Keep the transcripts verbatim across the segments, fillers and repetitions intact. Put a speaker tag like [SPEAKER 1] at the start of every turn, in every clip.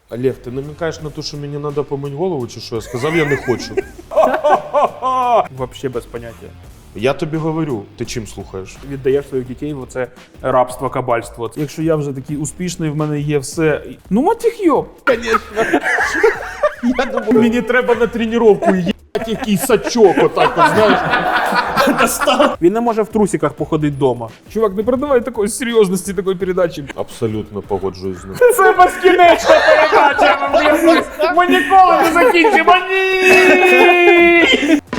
[SPEAKER 1] Олег, ти намікаєш на те, що мені треба помити голову, чи що? Я сказав, я не хочу.
[SPEAKER 2] Вообще без поняття.
[SPEAKER 1] Я тобі говорю, ти чим слухаєш?
[SPEAKER 2] Віддаєш своїх дітей в оце рабство, кабальство.
[SPEAKER 3] Якщо я вже такий успішний, в мене є все. Ну, матіх йоп.
[SPEAKER 1] Мені треба на тренування, їбать, який сачок, отак, от, знаєш.
[SPEAKER 2] Він не може в трусиках походити вдома.
[SPEAKER 3] Чувак, не передавай такої серйозності такої передачі.
[SPEAKER 1] Абсолютно погоджуюсь з ним.
[SPEAKER 2] Це безкінечна передача! Ми ніколи не закінчимо! Ні!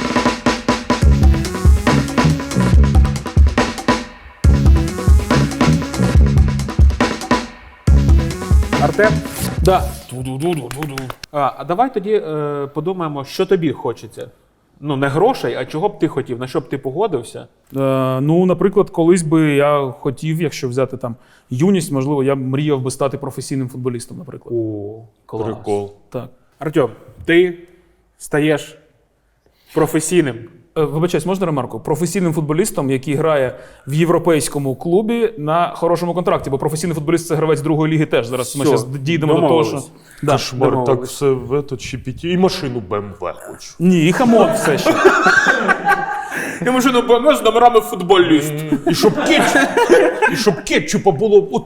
[SPEAKER 2] Артем?
[SPEAKER 3] Да.
[SPEAKER 2] А, а давай тоді е, подумаємо, що тобі хочеться. Ну, не грошей, а чого б ти хотів, на що б ти погодився?
[SPEAKER 3] Е, ну, наприклад, колись би я хотів, якщо взяти там юність, можливо, я б мріяв би стати професійним футболістом, наприклад.
[SPEAKER 2] О, клас.
[SPEAKER 1] Прикол.
[SPEAKER 3] Так.
[SPEAKER 2] Артем, ти стаєш професійним.
[SPEAKER 3] Е, Вибачаюсь, можна ремарку? Професійним футболістом, який грає в європейському клубі на хорошому контракті, бо професійний футболіст – це гравець другої ліги теж. Зараз ми
[SPEAKER 2] Все,
[SPEAKER 3] зараз дійдемо до того, що...
[SPEAKER 2] домовились.
[SPEAKER 3] Да.
[SPEAKER 1] Кошмар, так
[SPEAKER 2] домовились.
[SPEAKER 1] все в этот щепеті. І машину Б М В хочу.
[SPEAKER 3] Ні, і хамон все ще.
[SPEAKER 2] Я машину Б М В з номерами футболіст.
[SPEAKER 1] І щоб кетчуп, і щоб кетчупа було от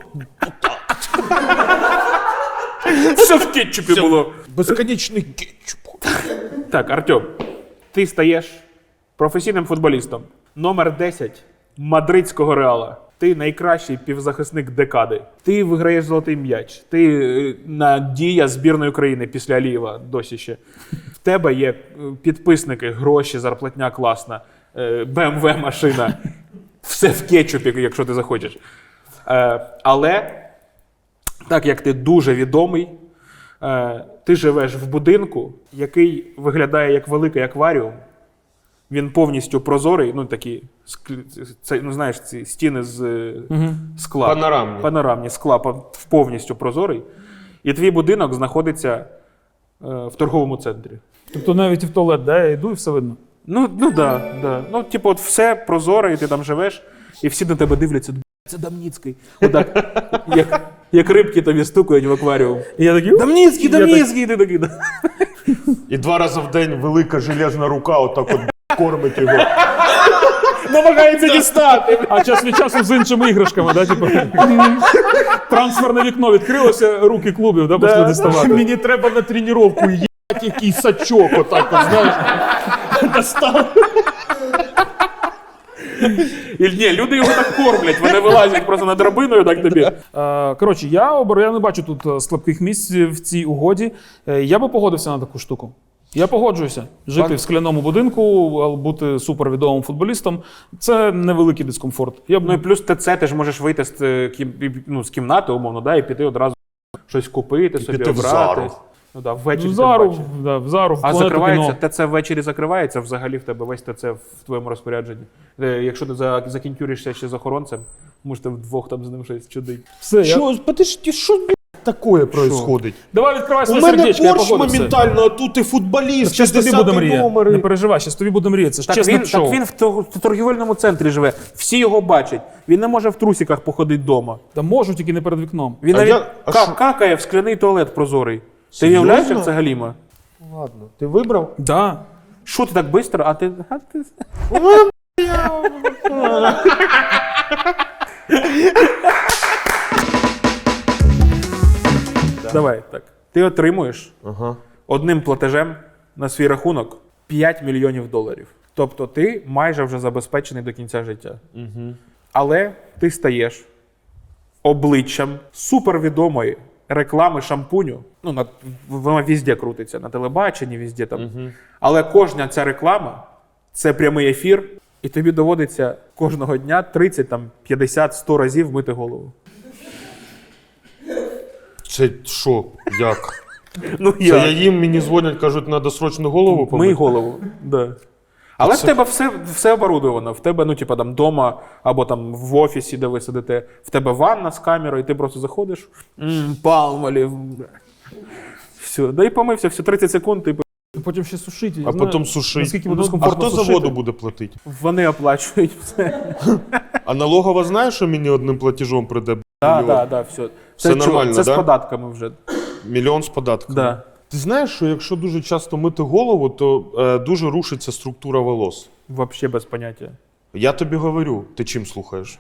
[SPEAKER 2] Все в кетчупі було.
[SPEAKER 1] безконечний кетчуп.
[SPEAKER 2] Так, Артем, ти стаєш професійним футболістом. Номер десять мадридського Реала. Ти найкращий півзахисник декади. Ти виграєш золотий м'яч. Ти е, надія збірної України після Алієва досі ще. В тебе є е, підписники, гроші, зарплатня класна, е, Б М В машина. Все в кетчупі, якщо ти захочеш. Е, але, так як ти дуже відомий, е, ти живеш в будинку, який виглядає як великий акваріум. Він повністю прозорий, ну такі, склі- це, ну знаєш, ці стіни з
[SPEAKER 3] Угу.
[SPEAKER 2] скла.
[SPEAKER 1] Панорамні.
[SPEAKER 2] Панорамні, скла по- повністю прозорий. І твій будинок знаходиться е, в торговому центрі.
[SPEAKER 3] Тобто навіть і в туалет, да, я йду і все видно.
[SPEAKER 2] Ну, ну да, да. Ну, типу, от все прозоре, і ти там живеш, і всі на тебе дивляться, «Б**, це Дамніцький. Отак, як, як рибки тобі стукають в акваріум.
[SPEAKER 3] І я такий...
[SPEAKER 2] Дамніцький,
[SPEAKER 3] Я так-
[SPEAKER 2] Дамніцький, і ти такий. да.
[SPEAKER 1] І два рази в день велика железна рука отак от кормить його.
[SPEAKER 2] Намагається дістати.
[SPEAKER 3] А час від часу з іншими іграшками, да, типу. Трансферне вікно відкрилося, руки клубів, да, пішли діставати.
[SPEAKER 1] Мені треба на тренування, їбать, який сачок, отак от, знаєш. Достав.
[SPEAKER 2] І, ні, люди його так кормлять, вони вилазять просто над драбиною, так тобі.
[SPEAKER 3] Е, Коротше, я, обер... я не бачу тут е, слабких місць в цій угоді. Е, Я би погодився на таку штуку. Я погоджуюся. Жити
[SPEAKER 2] Пан-
[SPEAKER 3] в скляному будинку, а бути супервідомим футболістом – це невеликий дискомфорт. Я б...
[SPEAKER 2] Ну і плюс ТЦ, ти ж можеш вийти з, е, кім- ну, з кімнати, умовно, да, і піти одразу щось купити, собі
[SPEAKER 1] піти в
[SPEAKER 2] обрати.
[SPEAKER 1] Зару.
[SPEAKER 2] Ну, да, ввечері
[SPEAKER 3] в
[SPEAKER 2] ти
[SPEAKER 3] Зару,
[SPEAKER 2] бачиш.
[SPEAKER 3] да, в Зару, в
[SPEAKER 2] А
[SPEAKER 3] Планету
[SPEAKER 2] закривається,
[SPEAKER 3] кіно.
[SPEAKER 2] ТЦ ввечері закривається, взагалі в тебе весь ТЦ в твоєму розпорядженні. Е, Якщо ти за- закінтюришся ще з охоронцем, можете вдвох там з ним щось чудить.
[SPEAKER 3] Все, я...
[SPEAKER 1] Що, подожди, що, блядь, таке происходить?
[SPEAKER 3] Давай відкривай
[SPEAKER 1] У
[SPEAKER 3] своє
[SPEAKER 1] мене
[SPEAKER 3] сердечко, я
[SPEAKER 1] борщ
[SPEAKER 3] погодився.
[SPEAKER 1] моментально, а тут і футболіст,
[SPEAKER 3] Щас тобі буде
[SPEAKER 1] шістдесят
[SPEAKER 3] мрія. Не
[SPEAKER 1] номери.
[SPEAKER 3] переживай, щас тобі буде мрія. Це ж
[SPEAKER 2] Так
[SPEAKER 3] чесне
[SPEAKER 2] він,
[SPEAKER 3] шоу.
[SPEAKER 2] так він в тор- в торгівельному центрі живе, всі його бачать. Він не може в трусиках походити вдома.
[SPEAKER 3] Та можу, тільки не перед вікном.
[SPEAKER 2] Він
[SPEAKER 1] А
[SPEAKER 2] навіть
[SPEAKER 1] я- а
[SPEAKER 2] ка-
[SPEAKER 1] що?
[SPEAKER 2] какає в скляний туалет прозорий. Ти
[SPEAKER 1] Серйозно?
[SPEAKER 2] уявляєш, як це галіма?
[SPEAKER 1] Ладно, ти вибрав?
[SPEAKER 3] Да.
[SPEAKER 2] Що ти так швидко, а ти... А ти... Давай, так. Ти отримуєш
[SPEAKER 1] Ага.
[SPEAKER 2] одним платежем на свій рахунок п'ять мільйонів доларів. Тобто ти майже вже забезпечений до кінця життя.
[SPEAKER 1] Угу.
[SPEAKER 2] Але ти стаєш обличчям супервідомої реклами шампуню. Ну, на, вона везде крутиться, на телебаченні, везде там.
[SPEAKER 1] Угу.
[SPEAKER 2] Але кожна ця реклама – це прямий ефір, і тобі доводиться кожного дня тридцять, там, п'ятдесят, сто разів мити голову.
[SPEAKER 1] Це що? Як?
[SPEAKER 2] Ну,
[SPEAKER 1] Це я їм, мені дзвонять, кажуть, треба срочно голову помити.
[SPEAKER 2] Мий голову, да. Але
[SPEAKER 1] Це-
[SPEAKER 2] в тебе все, все оборудовано. В тебе, ну, типа, там, дома, або там в офісі, де ви сидите, в тебе ванна з камерою, і ти просто заходиш, мм, палмолів. Все, да і помився, все, тридцять секунд, ти
[SPEAKER 3] Потім ще сушити.
[SPEAKER 1] А потім сушить.
[SPEAKER 3] Наскільки
[SPEAKER 1] Ну,
[SPEAKER 3] буде
[SPEAKER 1] а
[SPEAKER 3] комфортно
[SPEAKER 1] хто
[SPEAKER 3] сушити?
[SPEAKER 1] за воду буде платити?
[SPEAKER 2] вони оплачують все.
[SPEAKER 1] А налогова знає, що мені одним платежом прийде?
[SPEAKER 2] Так,
[SPEAKER 1] мільйон?
[SPEAKER 2] так, так, все.
[SPEAKER 1] Все
[SPEAKER 2] Це,
[SPEAKER 1] нормально,
[SPEAKER 2] це
[SPEAKER 1] да?
[SPEAKER 2] з податками вже.
[SPEAKER 1] Мільйон з податками.
[SPEAKER 2] Да.
[SPEAKER 1] Ти знаєш, що якщо дуже часто мити голову, то е, дуже рушиться структура волос.
[SPEAKER 2] Вообще без поняття.
[SPEAKER 1] Я тобі говорю, ти чим слухаєш?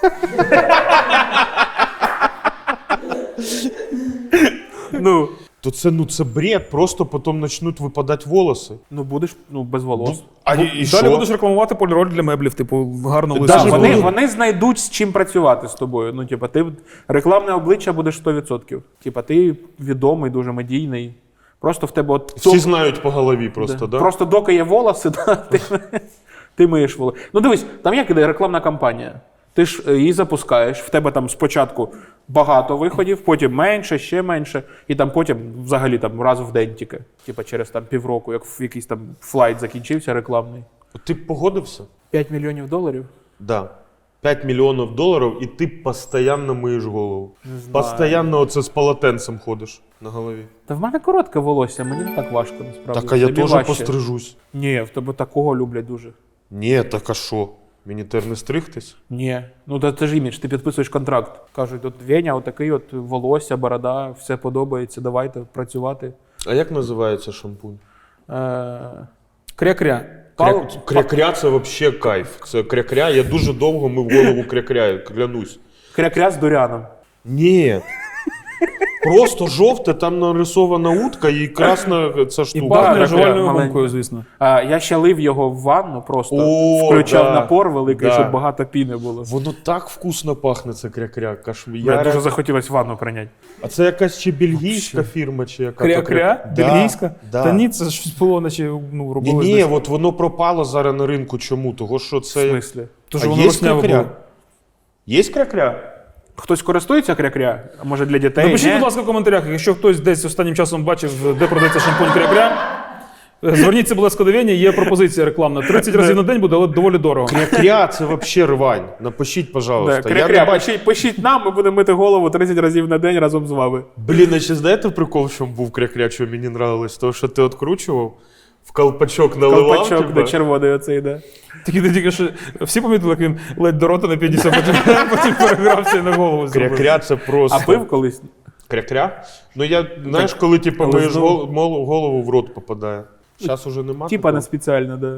[SPEAKER 2] Ну,
[SPEAKER 1] То це, ну, це бред, просто потім почнуть випадати волоси.
[SPEAKER 2] ну будеш ну, без волос.
[SPEAKER 1] А і, і
[SPEAKER 3] Далі
[SPEAKER 1] що?
[SPEAKER 3] будеш рекламувати поліроль для меблів, типу, гарно
[SPEAKER 1] Да,
[SPEAKER 3] лису.
[SPEAKER 1] вони-
[SPEAKER 2] Вони,
[SPEAKER 1] буду.
[SPEAKER 2] вони знайдуть з чим працювати з тобою. Ну, типа, ти рекламне обличчя будеш сто відсотків. Типа, ти відомий, дуже медійний. Просто в тебе от
[SPEAKER 1] Всі
[SPEAKER 2] ток-
[SPEAKER 1] знають по голові просто,
[SPEAKER 2] Да.
[SPEAKER 1] да?
[SPEAKER 2] Просто доки є волоси, да, ти, ти миєш волосся. Ну дивись, там як іде рекламна кампанія. Ти ж е, її запускаєш, в тебе там спочатку багато виходів, потім менше, ще менше, і там потім взагалі там раз в день тільки. Типа через там півроку, як в якийсь там флайт закінчився рекламний.
[SPEAKER 1] Ти б погодився?
[SPEAKER 2] п'ять мільйонів доларів?
[SPEAKER 1] Да. п'ять мільйонів доларів, і ти постійно миєш голову. Постійно оце з полотенцем ходиш на голові.
[SPEAKER 2] Та в мене коротке волосся, мені не так важко насправді.
[SPEAKER 1] Так, а я
[SPEAKER 2] Тобі
[SPEAKER 1] теж
[SPEAKER 2] важче.
[SPEAKER 1] пострижусь.
[SPEAKER 2] Ні, в тебе такого люблять дуже.
[SPEAKER 1] Ні, так а що? Мені тепер не стригтись?
[SPEAKER 2] Ні. Ну та це ж імідж, ти підписуєш контракт. Кажуть, от Веня, отакий от волосся, борода, все подобається, давайте працювати.
[SPEAKER 1] А як називається шампунь?
[SPEAKER 2] Е...
[SPEAKER 3] Кря-кря.
[SPEAKER 2] Пал...
[SPEAKER 1] Кря-кря це взагалі кайф. Це кря-кря, я дуже довго мив голову кря-кря, клянусь.
[SPEAKER 2] Кря-кря з дуряном.
[SPEAKER 1] Ні. Просто жовте, там нарисована утка і красна ця
[SPEAKER 3] І
[SPEAKER 1] штука.
[SPEAKER 3] пахне
[SPEAKER 2] кря-кря
[SPEAKER 3] жувальною
[SPEAKER 2] маленька.
[SPEAKER 3] гумкою, звісно.
[SPEAKER 2] А, я ще лив його в ванну просто,
[SPEAKER 1] О,
[SPEAKER 2] включав
[SPEAKER 1] да,
[SPEAKER 2] напор великий,
[SPEAKER 1] да.
[SPEAKER 2] щоб багато піни було.
[SPEAKER 1] Воно так вкусно пахне, це кря-кря. Кашмір.
[SPEAKER 2] Мені дуже захотілося ванну прийняти.
[SPEAKER 1] А це якась чи бельгійська фірма, чи яка?
[SPEAKER 3] Кря-кря?
[SPEAKER 1] Да,
[SPEAKER 3] Бельгійська?
[SPEAKER 1] да.
[SPEAKER 3] Та ні, це ж було, наче ну,
[SPEAKER 1] Ні,
[SPEAKER 3] робили.
[SPEAKER 1] ні, от воно пропало зараз на ринку. Чому? Того, що
[SPEAKER 2] В
[SPEAKER 1] це...
[SPEAKER 2] смислі?
[SPEAKER 3] Тож
[SPEAKER 1] А
[SPEAKER 3] воно
[SPEAKER 1] є
[SPEAKER 3] росняве
[SPEAKER 1] кря-кря?
[SPEAKER 3] було.
[SPEAKER 1] Є кря-кря?
[SPEAKER 2] Хтось користується кря-кря? А може для дітей?
[SPEAKER 3] Напишіть,
[SPEAKER 2] Ні?
[SPEAKER 3] будь ласка, в коментарях, якщо хтось десь останнім часом бачив, де продається шампунь кря-кря, зверніться, будь ласка, до Вені, є пропозиція рекламна. тридцять разів на день буде, але доволі дорого.
[SPEAKER 1] Кря-кря це взагалі рвань. Напишіть,
[SPEAKER 2] Да,
[SPEAKER 1] пожалуйста. Я
[SPEAKER 2] кря-кря,
[SPEAKER 1] не бачу.
[SPEAKER 2] пишіть, пишіть нам, ми будемо мити голову тридцять разів на день разом з вами.
[SPEAKER 1] Блін, а ще знаєте прикол, в чому був кря-кря, що мені нравилось? Того, що ти відкручував, в колпачок наливав.
[SPEAKER 2] Колпачок
[SPEAKER 1] типа.
[SPEAKER 2] до червоний оцей, да.
[SPEAKER 3] Тільки ти тільки що всі помітили, як він ледь до рота не підійшов, потім, потім перегрався і на голову зробив.
[SPEAKER 1] Кря-кря це просто...
[SPEAKER 2] А пив колись?
[SPEAKER 1] Кря-кря? Ну я, знаєш, коли типу,
[SPEAKER 2] але
[SPEAKER 1] миєш
[SPEAKER 2] знову-
[SPEAKER 1] гол- мол- голову в рот попадає. Зараз уже нема
[SPEAKER 2] Типа
[SPEAKER 1] такого?
[SPEAKER 2] не спеціально, да.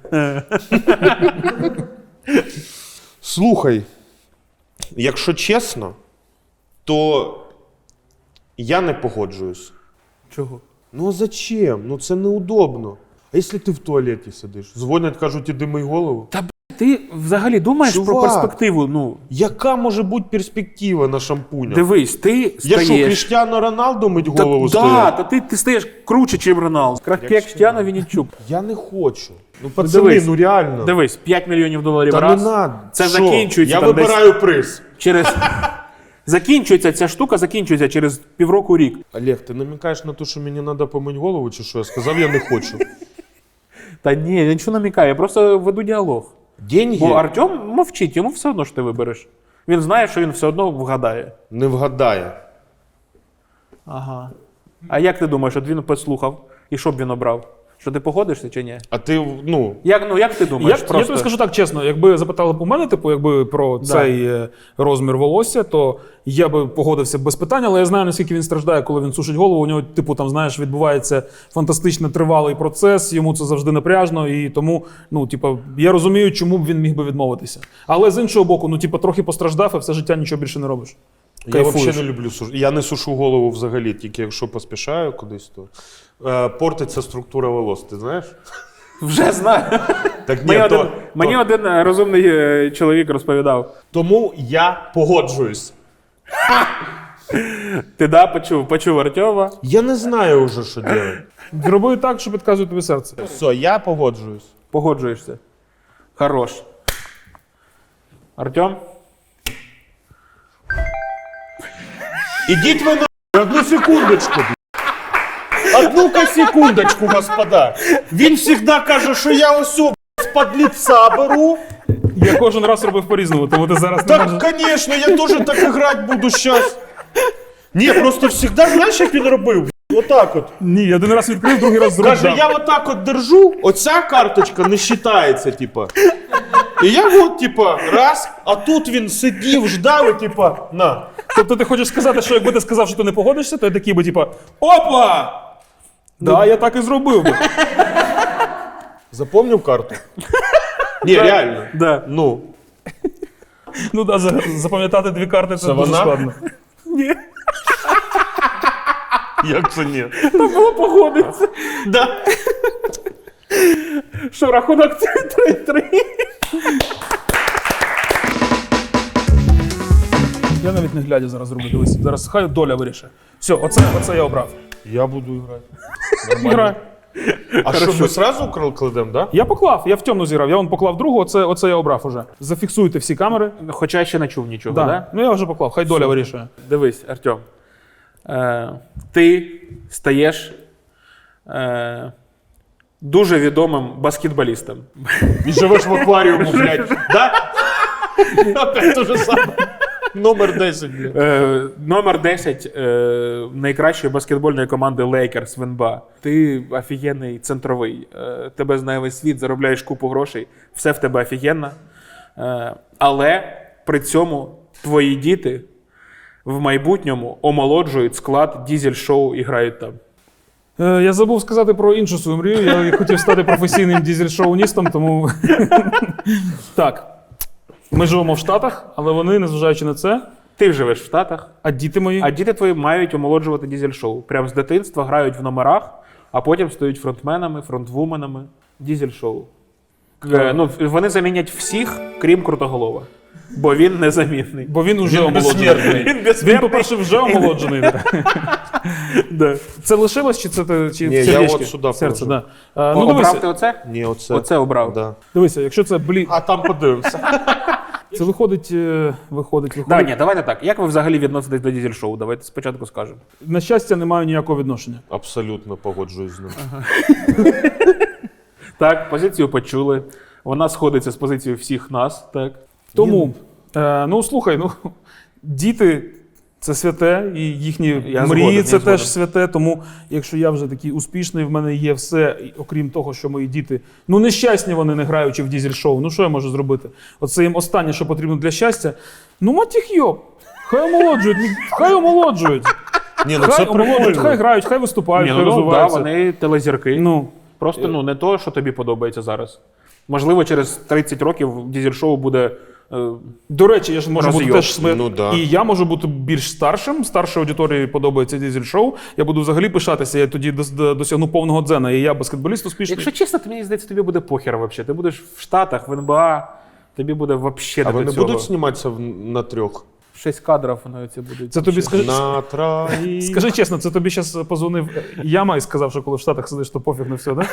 [SPEAKER 1] Слухай, якщо чесно, то я не погоджуюсь.
[SPEAKER 2] Чого?
[SPEAKER 1] Ну а зачем? Ну це неудобно. А якщо ти в туалеті сидиш? Дзвонять, кажуть, іди мий голову.
[SPEAKER 2] Та б, ти взагалі думаєш про
[SPEAKER 1] Чувак.
[SPEAKER 2] перспективу? Ну,
[SPEAKER 1] Яка може бути перспектива на шампунях?
[SPEAKER 2] дивись, ти
[SPEAKER 1] Я що,
[SPEAKER 2] стаєш...
[SPEAKER 1] Кріштіану Роналду мить
[SPEAKER 2] Та,
[SPEAKER 1] голову
[SPEAKER 2] да,
[SPEAKER 1] стоять?
[SPEAKER 2] та ти, ти стаєш круче, чим Роналд. Як Кріштіану Вінничук.
[SPEAKER 1] Я не хочу. Ну, пацани,
[SPEAKER 2] дивись,
[SPEAKER 1] ну реально.
[SPEAKER 2] Дивись, п'ять мільйонів доларів
[SPEAKER 1] Та
[SPEAKER 2] раз.
[SPEAKER 1] не надо.
[SPEAKER 2] Це
[SPEAKER 1] Що?
[SPEAKER 2] закінчується
[SPEAKER 1] Я
[SPEAKER 2] там десь
[SPEAKER 1] вибираю приз.
[SPEAKER 2] через... Закінчується ця штука, закінчується через півроку рік.
[SPEAKER 1] Олег, ти намікаєш на те, що мені треба помити голову, чи що? Я сказав, я не хочу.
[SPEAKER 2] Та ні, я нічого не намікаю, я просто веду діалог.
[SPEAKER 1] Деньги
[SPEAKER 2] Бо Артем мовчить, йому все одно що ти вибереш. Він знає, що він все одно вгадає.
[SPEAKER 1] не вгадає.
[SPEAKER 2] Ага. А як ти думаєш, от він послухав, і що б він обрав? Що ти погодишся чи ні?
[SPEAKER 1] А ти, ну,
[SPEAKER 2] Як, ну, як ти
[SPEAKER 3] Я,
[SPEAKER 2] думаєш?
[SPEAKER 3] я
[SPEAKER 2] просто...
[SPEAKER 3] тобі скажу так чесно, якби запитали б у мене, типу, якби про цей е, розмір волосся, то я би погодився без питань, але я знаю, наскільки він страждає, коли він сушить голову. У нього, типу, там, знаєш, відбувається фантастично тривалий процес, йому це завжди напряжно, і тому, ну, типу, я розумію, чому б він міг би відмовитися. Але з іншого боку, ну, типу, трохи постраждав, і все життя нічого більше не робиш.
[SPEAKER 1] я
[SPEAKER 3] Кайфуєш.
[SPEAKER 1] взагалі не люблю сушити. Я не сушу голову взагалі, тільки якщо поспішаю кудись, то е, портиться структура волос, ти знаєш?
[SPEAKER 2] Вже знаю.
[SPEAKER 1] Так ні,
[SPEAKER 2] Мені,
[SPEAKER 1] то,
[SPEAKER 2] один, мені один е, розумний е, чоловік розповідав.
[SPEAKER 1] Тому я погоджуюсь.
[SPEAKER 2] Ти да, почув, почув Артема.
[SPEAKER 1] Я не знаю вже, що робити.
[SPEAKER 3] Роби так, що підказує тобі серце.
[SPEAKER 1] Все, я погоджуюсь.
[SPEAKER 2] Погоджуєшся. Хорош. Артем?
[SPEAKER 1] Ідіть ви на одну секундочку. Одну-ка секундочку, господа. Він завжди каже, що я ось з-під лица беру.
[SPEAKER 3] Я кожен раз робив по-різному, тому ти зараз не можеш.
[SPEAKER 1] Так, звісно, я теж так грати буду зараз. Ні, просто завжди, знаєш, як він робив? Отак от.
[SPEAKER 3] Ні, я один раз відкрив, другий раз зробив.
[SPEAKER 1] Каже, я отак от держу, оця карточка не вважається, типа. І я от, типа, раз, а тут він сидів, ждав, і типа, на.
[SPEAKER 3] Тобто ти хочеш сказати, що якби ти сказав, що ти не погодишся, то я такий би, типа, опа! Да, я так і зробив би.
[SPEAKER 1] Запомнив карту? Ні, реально.
[SPEAKER 2] Да.
[SPEAKER 1] Ну,
[SPEAKER 3] Ну да, за- запам'ятати дві карти це
[SPEAKER 1] Це
[SPEAKER 3] дуже
[SPEAKER 1] вона?
[SPEAKER 3] складно.
[SPEAKER 2] Ні.
[SPEAKER 1] як це ні?
[SPEAKER 2] Там було погодитися.
[SPEAKER 1] Да.
[SPEAKER 2] Що, рахунок три-три?
[SPEAKER 3] Я навіть не глядя зараз зроблю. Дивись, зараз хай доля вирішить. Все, оце, оце я обрав.
[SPEAKER 1] Я буду грати.
[SPEAKER 3] Грай.
[SPEAKER 1] А що, ми сразу кл- кладемо, да?
[SPEAKER 3] Я поклав, я в темну зіграв, я вон поклав другу, оце, оце я обрав уже. Зафіксуйте всі камери.
[SPEAKER 2] Хоча я ще не чув нічого,
[SPEAKER 3] Да.
[SPEAKER 2] да?
[SPEAKER 3] Ну я вже поклав, хай доля вирішує.
[SPEAKER 2] Дивись, Артем. Е, ти стаєш е, дуже відомим баскетболістом.
[SPEAKER 1] І живеш в акваріуму, блядь. Да? Опять те же саме. Номер десять, блядь.
[SPEAKER 2] Е, номер десять е, найкращої баскетбольної команди Lakers в ен ба а. Ти офігенний центровий. Е, тебе знає весь світ, заробляєш купу грошей. Все в тебе офігенно. Е, але при цьому твої діти в майбутньому омолоджують склад дізель-шоу і грають там.
[SPEAKER 3] Е, я забув сказати про іншу свою мрію. Я хотів стати професійним дізель-шоуністом, тому. Так. Ми живемо в Штатах, але вони, незважаючи на це,
[SPEAKER 2] Ти живеш в Штатах,
[SPEAKER 3] а діти мої.
[SPEAKER 2] а діти твої мають омолоджувати дізель-шоу. Прямо з дитинства грають в номерах, а потім стають фронтменами, фронтвуменами. Дізель-шоу. Е, ну, вони замінять всіх, крім Крутоголова. Бо він незамінний.
[SPEAKER 3] Бо він уже
[SPEAKER 1] Він
[SPEAKER 3] омолоджений.
[SPEAKER 1] безсмертний.
[SPEAKER 2] Він
[SPEAKER 3] Він,
[SPEAKER 2] безсмертний.
[SPEAKER 3] по-перше, вже омолоджений.
[SPEAKER 2] Да.
[SPEAKER 3] Це лишилось чи це ти- чи
[SPEAKER 1] Ні,
[SPEAKER 3] в
[SPEAKER 1] я
[SPEAKER 3] сердечки?
[SPEAKER 1] от сюди
[SPEAKER 3] Серце,
[SPEAKER 1] положу.
[SPEAKER 3] да. Е,
[SPEAKER 2] Ну,
[SPEAKER 3] ну,
[SPEAKER 2] обрав
[SPEAKER 3] дивися,
[SPEAKER 2] ти оце?
[SPEAKER 1] Ні, оце.
[SPEAKER 2] Оце обрав.
[SPEAKER 1] Да.
[SPEAKER 3] дивися, якщо це, блін,
[SPEAKER 1] А там подивимося.
[SPEAKER 3] це виходить, е, виходить,
[SPEAKER 2] Да,
[SPEAKER 3] виходить.
[SPEAKER 2] ні, давайте так. Як ви взагалі відноситесь до дізель-шоу? Давайте спочатку скажемо.
[SPEAKER 3] На щастя, не маю ніякого відношення.
[SPEAKER 1] Абсолютно погоджуюсь з ним.
[SPEAKER 2] Так, позицію почули. Вона сходиться з позицією всіх нас. Так.
[SPEAKER 3] Тому, е, ну слухай, ну діти це святе, і їхні
[SPEAKER 2] Я
[SPEAKER 3] мрії
[SPEAKER 2] згоден,
[SPEAKER 3] це
[SPEAKER 2] я
[SPEAKER 3] теж
[SPEAKER 2] згоден.
[SPEAKER 3] святе. Тому, якщо я вже такий успішний, в мене є все, і окрім того, що мої діти ну нещасні вони не граючи в дізель-шоу. Ну що я можу зробити? Оце їм останнє, що потрібно для щастя. Ну мать їх йоб! Хай омолоджують, ну, хай омолоджують.
[SPEAKER 1] Ні, ну це
[SPEAKER 3] Хай омолоджують, хай
[SPEAKER 1] прикольно.
[SPEAKER 3] грають, хай виступають,
[SPEAKER 2] Ні,
[SPEAKER 3] хай
[SPEAKER 2] ну, да,
[SPEAKER 3] розвиваються.
[SPEAKER 2] вони телезірки.
[SPEAKER 3] Ну,
[SPEAKER 2] Просто ну, не то, що тобі подобається зараз. Можливо, через тридцять років дізель-шоу буде. е,
[SPEAKER 3] до речі, я ж можу бути
[SPEAKER 2] Розйоб.
[SPEAKER 3] теж смер...
[SPEAKER 1] Ну, да.
[SPEAKER 3] і я можу бути більш старшим. Старшій аудиторії подобається дізель-шоу. Я буду взагалі пишатися. Я тоді дос- до- досягну повного дзена. І я баскетболіст успішний.
[SPEAKER 2] Якщо чесно, то мені здається, тобі буде похер взагалі. Ти будеш в Штатах, в ен ба а, тобі буде взагалі
[SPEAKER 1] А
[SPEAKER 2] не
[SPEAKER 1] вони
[SPEAKER 2] до цього.
[SPEAKER 1] будуть зніматися в- на трьох?
[SPEAKER 2] Шість кадрів воно ці будуть.
[SPEAKER 3] Це тобі скажи,
[SPEAKER 1] На троїх.
[SPEAKER 3] скажи чесно, це тобі зараз позвонив Яма і сказав, що коли в Штатах сидиш, то пофіг на все, да?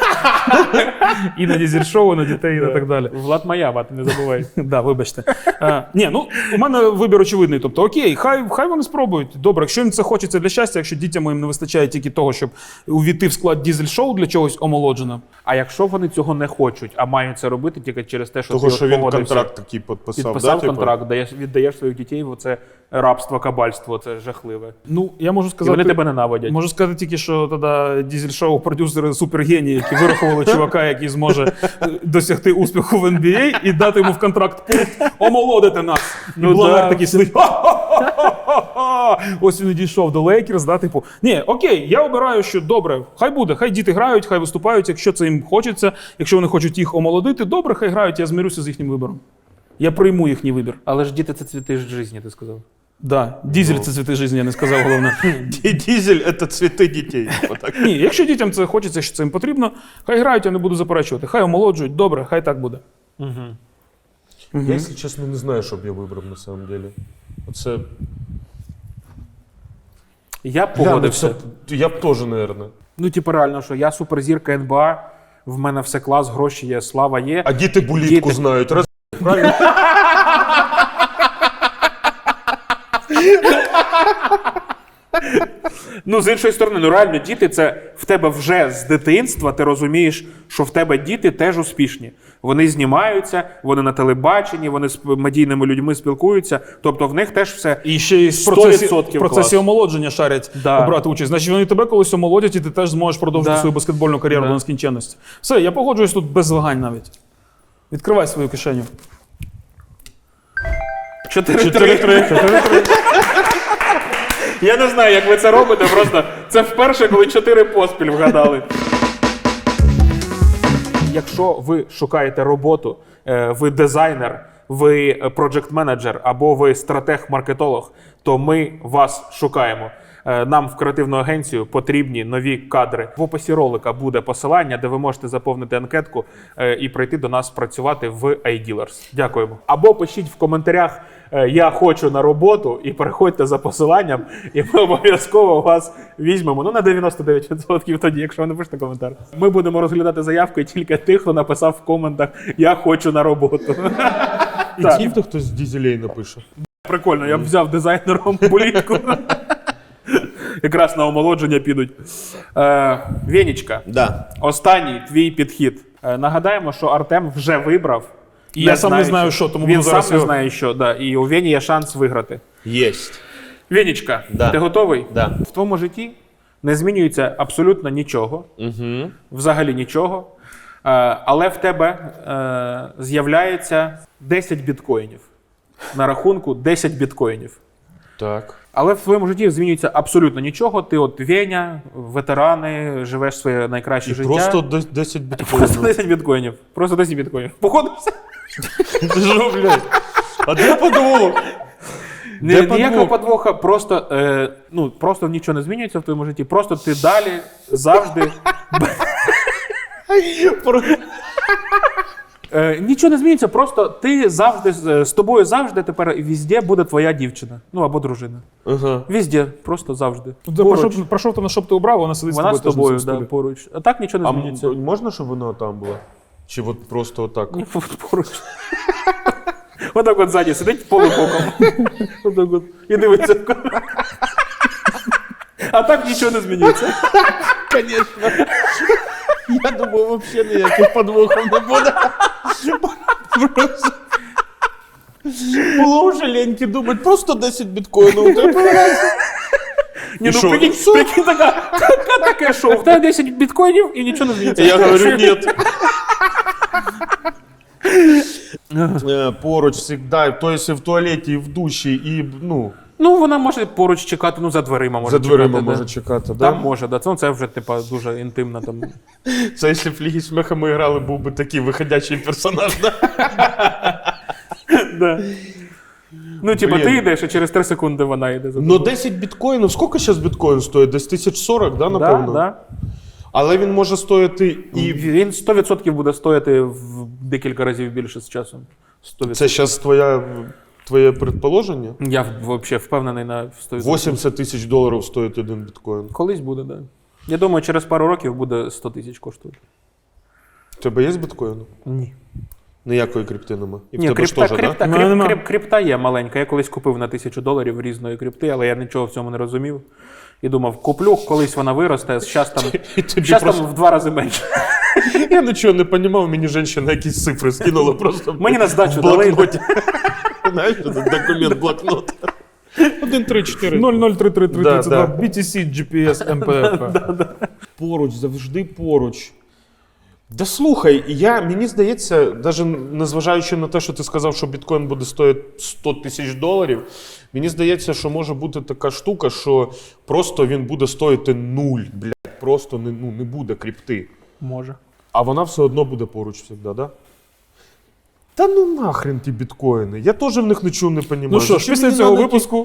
[SPEAKER 3] І на дізель-шоу, і на дітей, і на так далі.
[SPEAKER 2] Влад Маява, ти не забувай.
[SPEAKER 3] Да, вибачте. А, ні, ну у мене вибір очевидний. Тобто, окей, хай, хай вони спробують. Добре, якщо їм це хочеться для щастя, якщо дітям моїм не вистачає тільки того, щоб увійти в склад дізель-шоу для чогось омолоджено.
[SPEAKER 2] А якщо вони цього не хочуть, а мають це робити тільки через те, що
[SPEAKER 1] Того,
[SPEAKER 2] ти
[SPEAKER 1] що
[SPEAKER 2] от
[SPEAKER 1] він
[SPEAKER 2] погодився,
[SPEAKER 1] контракт такий підписав,
[SPEAKER 2] підписав
[SPEAKER 1] да, типу?
[SPEAKER 2] контракт, даєш, віддаєш своїх дітей в оце рабство, кабальство, це жахливе.
[SPEAKER 3] Ну, я можу
[SPEAKER 2] І
[SPEAKER 3] сказати.
[SPEAKER 2] вони тебе ненавидять.
[SPEAKER 3] Можу сказати тільки, що тоді дізель-шоу продюсери супергенії, які вирахували чувака, який зможе е, досягти успіху в ен бі ей і дати йому в контракт пункт омолодити нас. І
[SPEAKER 2] Ну
[SPEAKER 3] Блавер
[SPEAKER 2] да.
[SPEAKER 3] такий сидить. «Ха-ха-ха-ха-ха!» Ось він і дійшов до Лейкерс, да, типу. Ні, окей, я обираю, що добре, хай буде, хай діти грають, хай виступають, якщо це їм хочеться, якщо вони хочуть їх омолодити, добре, хай грають, я змирюся з їхнім вибором. Я прийму їхній вибір.
[SPEAKER 2] Але ж діти це цвіти ж житті, ти сказав.
[SPEAKER 3] Да, дізель це цвіти життя, я не сказав головне.
[SPEAKER 1] Дізель – це цвіти дітей. Отак.
[SPEAKER 3] Ні, якщо дітям це хочеться, якщо це їм потрібно, хай грають, я не буду заперечувати. Хай омолоджують, добре, хай так буде.
[SPEAKER 2] Угу.
[SPEAKER 3] Угу.
[SPEAKER 1] Я, якщо чесно, не знаю, що б я вибрав на самом деле. Оце...
[SPEAKER 2] Я
[SPEAKER 1] Бля, ну
[SPEAKER 2] погодився.
[SPEAKER 1] це- Я б теж, наверное.
[SPEAKER 2] Ну, типу, реально, що я суперзірка ен ба а, в мене все клас, гроші є, слава є.
[SPEAKER 1] А діти булітку
[SPEAKER 2] Діти-
[SPEAKER 1] знають. Раз... Правильно?
[SPEAKER 2] Ну, з іншої сторони, ну реально, діти це в тебе вже з дитинства, ти розумієш, що в тебе діти теж успішні. Вони знімаються, вони на телебаченні, вони з медійними людьми спілкуються, тобто в них теж все
[SPEAKER 3] І ще й в
[SPEAKER 2] сто
[SPEAKER 3] процесі,
[SPEAKER 2] відсотків
[SPEAKER 3] в процесі
[SPEAKER 2] клас.
[SPEAKER 3] омолодження шарять
[SPEAKER 2] Да.
[SPEAKER 3] брати участь. Значить, вони тебе колись омолодять, і ти теж зможеш продовжити
[SPEAKER 2] Да.
[SPEAKER 3] свою баскетбольну кар'єру
[SPEAKER 2] Да.
[SPEAKER 3] до нескінченності. Все, я погоджуюсь тут без вагань навіть. Відкривай свою кишеню.
[SPEAKER 2] чотири три. Я не знаю, як ви це робите, просто це вперше, коли чотири поспіль вгадали. Якщо ви шукаєте роботу, е, ви дизайнер, ви проджект-менеджер або ви стратег-маркетолог, то ми вас шукаємо. Е, Нам в креативну агенцію потрібні нові кадри. В описі ролика буде посилання, де ви можете заповнити анкетку е, і прийти до нас працювати в iDealers. Дякуємо. Або пишіть в коментарях е, «Я хочу на роботу» і переходьте за посиланням, і ми обов'язково вас візьмемо. Ну, на дев'яносто дев'ять відсотків тоді, якщо ви напишете коментар. Ми будемо розглядати заявки тільки тих, хто написав в коментах «Я хочу на роботу».
[SPEAKER 1] І
[SPEAKER 2] Так.
[SPEAKER 1] ті, хто хтось з дізелей напише.
[SPEAKER 2] Прикольно, я б взяв дизайнером політку. Якраз на омолодження підуть. Е, Венічка,
[SPEAKER 1] Да.
[SPEAKER 2] останній твій підхід. Е, нагадаємо, що Артем вже вибрав.
[SPEAKER 3] І я сам не знаю, що, тому
[SPEAKER 2] він
[SPEAKER 3] буду
[SPEAKER 2] сам
[SPEAKER 3] зараз
[SPEAKER 2] не
[SPEAKER 3] його-
[SPEAKER 2] знає, що. Да, і у Вені є шанс виграти.
[SPEAKER 1] Єсть.
[SPEAKER 2] Венічка,
[SPEAKER 1] Да.
[SPEAKER 2] ти готовий?
[SPEAKER 1] Да.
[SPEAKER 2] В твоєму житті не змінюється абсолютно нічого.
[SPEAKER 1] Угу.
[SPEAKER 2] Взагалі нічого. Е, але в тебе е, з'являється десять біткоїнів. На рахунку десять біткоїнів.
[SPEAKER 1] Так.
[SPEAKER 2] Але в твоєму житті змінюється абсолютно нічого. Ти от Веня, ветерани, живеш своє найкраще
[SPEAKER 1] І
[SPEAKER 2] життя.
[SPEAKER 1] просто дес- десять
[SPEAKER 2] Просто
[SPEAKER 1] біткоїнів.
[SPEAKER 2] десять біткоїнів. Просто десять біткоїнів. Походився?
[SPEAKER 1] Ти що, блядь? А де подвох?
[SPEAKER 2] Ні,
[SPEAKER 1] Де
[SPEAKER 2] ніякого
[SPEAKER 1] подвох?
[SPEAKER 2] подвоха, просто, е, ну, просто нічого не змінюється в твоєму житті. Просто ти далі завжди. Е, нічого не змінюється, просто ти завжди з з тобою завжди тепер везде буде твоя дівчина. Ну або дружина.
[SPEAKER 1] Ага.
[SPEAKER 2] Везде, просто завжди.
[SPEAKER 3] Про
[SPEAKER 2] Поруч.
[SPEAKER 3] що, про що ти на що б ти обрав, вона сидить
[SPEAKER 2] Вона з
[SPEAKER 3] теж на
[SPEAKER 2] тобою,
[SPEAKER 3] цьому
[SPEAKER 2] да,
[SPEAKER 3] столі.
[SPEAKER 2] поруч. А так нічого не
[SPEAKER 1] А
[SPEAKER 2] змінюється.
[SPEAKER 1] м- можна, щоб вона там була? Чи от просто отак?
[SPEAKER 2] Ні, поруч. Отак от ззаді сидить полубоком. Отак от. І дивиться. А так нічого не змінюється.
[SPEAKER 1] Конечно. Я думав, взагалі ніяких подвохів не буде. Просто... Було вже леньки думати, просто десять біткоїнів. у тебе.
[SPEAKER 2] Ні,
[SPEAKER 1] І
[SPEAKER 2] ну
[SPEAKER 1] що?
[SPEAKER 2] прикинь, прикинь, така, така, таке шоу. В тебе десять біткоїнів і нічого не змінюється.
[SPEAKER 1] Я говорю, нет. Е, Поруч завжди, то есть і в туалеті, і в душі, і, ну,
[SPEAKER 2] Ну, вона може поруч чекати, ну, за дверима може
[SPEAKER 1] за дверима
[SPEAKER 2] чекати.
[SPEAKER 1] може
[SPEAKER 2] да.
[SPEAKER 1] чекати,
[SPEAKER 2] Там
[SPEAKER 1] да?
[SPEAKER 2] може, да. Це, ну, це вже, типа, дуже інтимно там.
[SPEAKER 1] Це якщо в Лігі Смеха ми грали, був би такий виходячий персонаж, да?
[SPEAKER 2] Да. Ну, типа,
[SPEAKER 1] Блін.
[SPEAKER 2] ти йдеш, і через три секунди вона йде за
[SPEAKER 1] Ну,
[SPEAKER 2] тобою.
[SPEAKER 1] десять біткоїнів, скільки зараз біткоін стоїть? Десь тисяч сорок, да,
[SPEAKER 2] Да,
[SPEAKER 1] напевно?
[SPEAKER 2] да.
[SPEAKER 1] Але він може стоїти
[SPEAKER 2] І
[SPEAKER 1] і...
[SPEAKER 2] він сто відсотків буде стояти в декілька разів більше з часом. сто відсотків.
[SPEAKER 1] Це зараз твоя, твоє предположення?
[SPEAKER 2] Я взагалі впевнений на сто відсотків.
[SPEAKER 1] вісімдесят тисяч доларів стоїть один біткоін.
[SPEAKER 2] Колись буде, так. Да. Я думаю, через пару років буде сто тисяч коштувати.
[SPEAKER 1] У тебе є біткоін?
[SPEAKER 2] Ні.
[SPEAKER 1] Ніякої крипти нема. І в
[SPEAKER 2] Ні,
[SPEAKER 1] тебе
[SPEAKER 2] крипта,
[SPEAKER 1] ж теж,
[SPEAKER 2] крипта,
[SPEAKER 3] да?
[SPEAKER 2] крип,
[SPEAKER 3] Нема.
[SPEAKER 2] крип, крипта є маленька. Я колись купив на тисячу доларів різної крипти, але я нічого в цьому не розумів. І думав, куплю, колись вона виросте, зараз там,
[SPEAKER 1] І тобі
[SPEAKER 2] щас
[SPEAKER 1] просто-
[SPEAKER 2] там в два рази менше.
[SPEAKER 1] Я нічого не розумів, мені жінка якісь цифри скинула просто
[SPEAKER 2] Мені на здачу
[SPEAKER 1] в
[SPEAKER 2] дали.
[SPEAKER 1] блокноті. Знаєш, этот документ блокнот. один, три, чотири.
[SPEAKER 3] нуль нуль три три три
[SPEAKER 1] Да,
[SPEAKER 3] тридцять два
[SPEAKER 1] да.
[SPEAKER 3] бі ті сі, джі пі ес, ем пе еф.
[SPEAKER 1] Поруч, завжди поруч. Да слухай, я, мені здається, навіть незважаючи на те, що ти сказав, що біткоін буде стоїти сто тисяч доларів, мені здається, що може бути така штука, що просто він буде стоїти нуль, блядь, просто не, ну, не буде крипти.
[SPEAKER 2] Може.
[SPEAKER 1] А вона все одно буде поруч завжди, да? Та ну нахрен ті біткоїни, я теж в них нічого не розумію.
[SPEAKER 3] Ну що ж, після цього випуску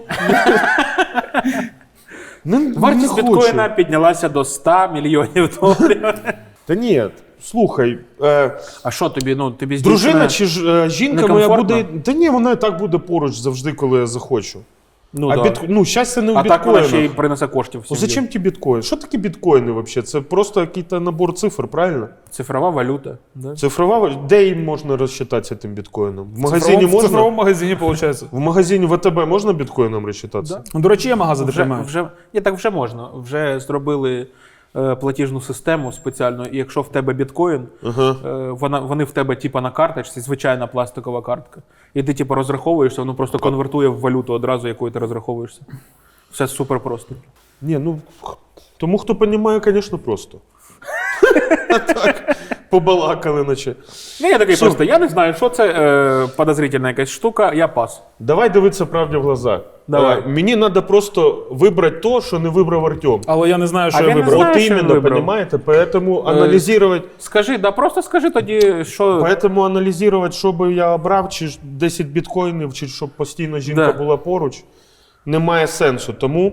[SPEAKER 1] Не, не
[SPEAKER 2] Вартість
[SPEAKER 1] хочу.
[SPEAKER 2] біткоїна піднялася до ста мільйонів доларів.
[SPEAKER 1] Та ні, слухай, е,
[SPEAKER 2] А що тобі, ну, тобі з
[SPEAKER 1] дружина
[SPEAKER 2] дівчиною-
[SPEAKER 1] чи ж, е, жінка моя
[SPEAKER 2] некомфортно?
[SPEAKER 1] буде. Та ні, вона і так буде поруч завжди, коли я захочу.
[SPEAKER 2] Ну,
[SPEAKER 1] а
[SPEAKER 2] да.
[SPEAKER 1] біт... ну, щастя не в
[SPEAKER 2] а так вона ще й
[SPEAKER 1] біткоїнах.
[SPEAKER 2] принесе коштів в
[SPEAKER 1] Ну,
[SPEAKER 2] сім'ю.
[SPEAKER 1] зачем ті біткоїни? Що таке біткоїни взагалі? Це просто якийсь набор цифр, правильно?
[SPEAKER 2] Цифрова валюта. Да?
[SPEAKER 1] Цифрова, валю- де їм можна розчитатися тим біткоїном? В магазині
[SPEAKER 3] в
[SPEAKER 1] можна?
[SPEAKER 3] цифровому магазині, виходить.
[SPEAKER 1] В магазині В Т Б можна біткоїном розчитатися?
[SPEAKER 2] Да.
[SPEAKER 3] Ну, до речі, є магази, де
[SPEAKER 2] Вже,
[SPEAKER 3] приймають.
[SPEAKER 2] вже, ні, так вже можна. Вже зробили е, платіжну систему спеціально, і якщо в тебе біткоін,
[SPEAKER 1] Ага.
[SPEAKER 2] е, вона, вони в тебе типа на карточці, звичайна пластикова картка. І ти типа розраховуєшся, воно просто конвертує в валюту одразу, якою ти розраховуєшся. Все супер просто.
[SPEAKER 1] Ні, ну х- тому хто розуміє, звісно, просто. А так, побалакали наче.
[SPEAKER 2] Ну, я такий
[SPEAKER 1] Все.
[SPEAKER 2] просто, я не знаю, що це е, подозрительна якась штука, я пас.
[SPEAKER 1] Давай дивитися правді в глаза.
[SPEAKER 2] Давай.
[SPEAKER 1] Е, мені треба просто вибрати то, що не вибрав Артем.
[SPEAKER 3] Але я не знаю, що
[SPEAKER 2] А
[SPEAKER 3] я
[SPEAKER 2] він не
[SPEAKER 3] вибрав.
[SPEAKER 2] знає,
[SPEAKER 1] От
[SPEAKER 2] що він
[SPEAKER 1] іменно,
[SPEAKER 2] вибрав.
[SPEAKER 1] понимаете? Поэтому аналізувати,
[SPEAKER 2] Скажи, да просто скажи тоді, що...
[SPEAKER 1] поэтому аналізувати, що би я обрав, чи ж десять біткоїнів, чи щоб постійно жінка
[SPEAKER 2] Да.
[SPEAKER 1] була поруч, немає сенсу. Тому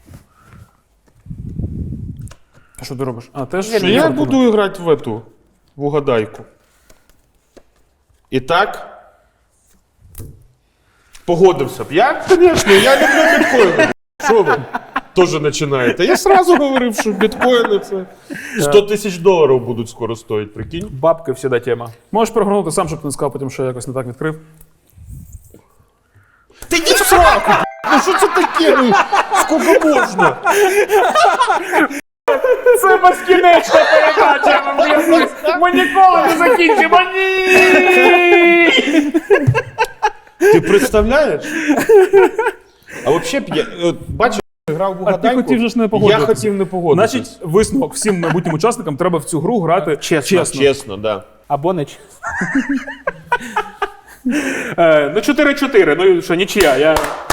[SPEAKER 3] Що ти робиш? А, теж
[SPEAKER 2] Ні,
[SPEAKER 3] що
[SPEAKER 2] ні,
[SPEAKER 1] я
[SPEAKER 3] фортуна?
[SPEAKER 1] буду грати в эту, в угадайку. І так, погодився б. Я, звісно, я люблю біткоїни. Що ви теж починаєте? Я сразу говорив, що біткоїни це сто тисяч доларів будуть скоро стоїть, прикинь.
[SPEAKER 2] Бабки всегда тема.
[SPEAKER 3] Можеш прогорнути сам, щоб ти не сказав потім, що я якось не так відкрив.
[SPEAKER 1] Та йди в сраку! Ну що це таке? Ну, скільки можна?
[SPEAKER 2] Це безкінечна передача, ми ніколи не закінчимо, ні!
[SPEAKER 1] Ти представляєш? А взагалі, б я, от, бачиш, я грав в
[SPEAKER 3] А ти
[SPEAKER 1] угадайку.
[SPEAKER 3] хотів же ж не
[SPEAKER 1] Я
[SPEAKER 3] погодитися.
[SPEAKER 1] хотів не погодитися.
[SPEAKER 3] Значить, висновок всім майбутнім учасникам треба в цю гру грати
[SPEAKER 2] Чесно.
[SPEAKER 3] чесно.
[SPEAKER 1] Чесно, да.
[SPEAKER 2] Або не чесно. Е, ну, чотири-чотири, ну що, нічия, я...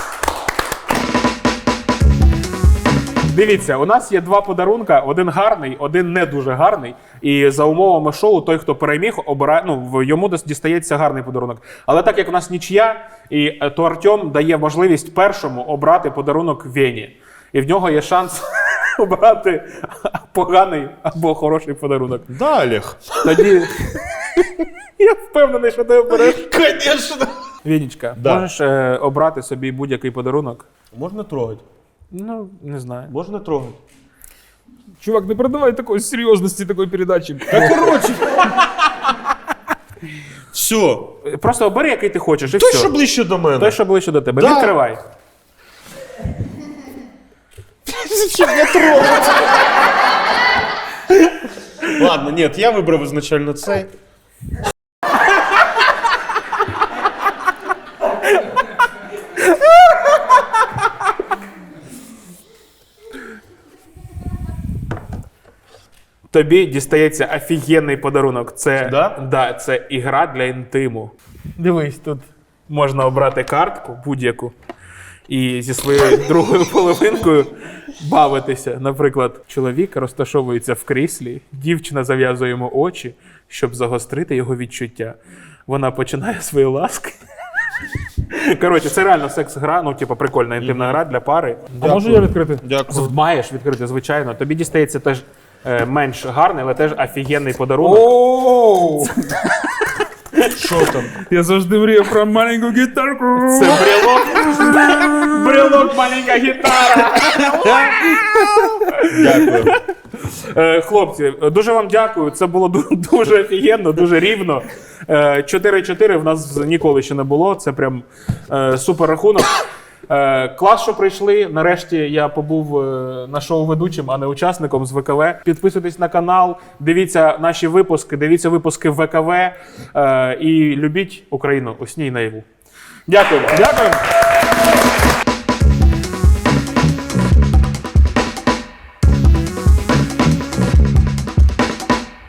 [SPEAKER 2] Дивіться, у нас є два подарунка, один гарний, один не дуже гарний. І за умовами шоу, той, хто переміг, обирає, ну, в- йому дос- дістається гарний подарунок. Але так як у нас нічия, і е, то Артем дає можливість першому обрати подарунок Вені. І в нього є шанс обрати поганий або хороший подарунок.
[SPEAKER 1] Да, Олег.
[SPEAKER 2] Тоді я впевнений, що ти обереш.
[SPEAKER 1] Конечно.
[SPEAKER 2] Вінічка,
[SPEAKER 1] Да.
[SPEAKER 2] можеш е, обрати собі будь-який подарунок?
[SPEAKER 1] Можна трогати.
[SPEAKER 2] Ну, не знаю.
[SPEAKER 1] Можна трогати.
[SPEAKER 3] Чувак, не передавай такої серйозності такої передачі.
[SPEAKER 1] Та коротше. Все.
[SPEAKER 2] Просто обери, який ти хочеш, і
[SPEAKER 1] Той,
[SPEAKER 2] все.
[SPEAKER 1] що ближче до мене.
[SPEAKER 2] Той, що ближче до тебе.
[SPEAKER 1] Да.
[SPEAKER 2] Відкривай.
[SPEAKER 1] Зачем я трогать? Ладно, нет, я вибрав изначально цей.
[SPEAKER 2] Тобі дістається офігенний подарунок. Це,
[SPEAKER 1] Да?
[SPEAKER 2] Да, це ігра для інтиму. Дивись, тут можна обрати картку будь-яку і зі своєю другою половинкою бавитися. Наприклад, чоловік розташовується в кріслі, дівчина зав'язує йому очі, щоб загострити його відчуття. Вона починає свої ласки. Коротше, це реально секс-гра, ну, типу, прикольна інтимна гра для пари.
[SPEAKER 3] А можу я відкрити?
[SPEAKER 1] Дякую.
[SPEAKER 2] Маєш відкрити, звичайно. Тобі дістається теж е, менш гарний, але теж офігенний подарунок.
[SPEAKER 3] Оу!
[SPEAKER 1] Що там?
[SPEAKER 3] Я завжди мріяв про маленьку гітарку.
[SPEAKER 2] Це брелок. Брелок, маленька гітара.
[SPEAKER 1] Дякую.
[SPEAKER 2] Е, хлопці, дуже вам дякую. Це було ду- дуже офігенно, дуже рівно. Е, чотири-чотири в нас ніколи ще не було. Це прям е, супер рахунок. Е, клас, що прийшли. Нарешті я побув е, на шоу ведучим, а не учасником з ВКВ. Підписуйтесь на канал, дивіться наші випуски, дивіться випуски ВКВ е, і любіть Україну у сні й наяву. Дякую.
[SPEAKER 3] Дякую.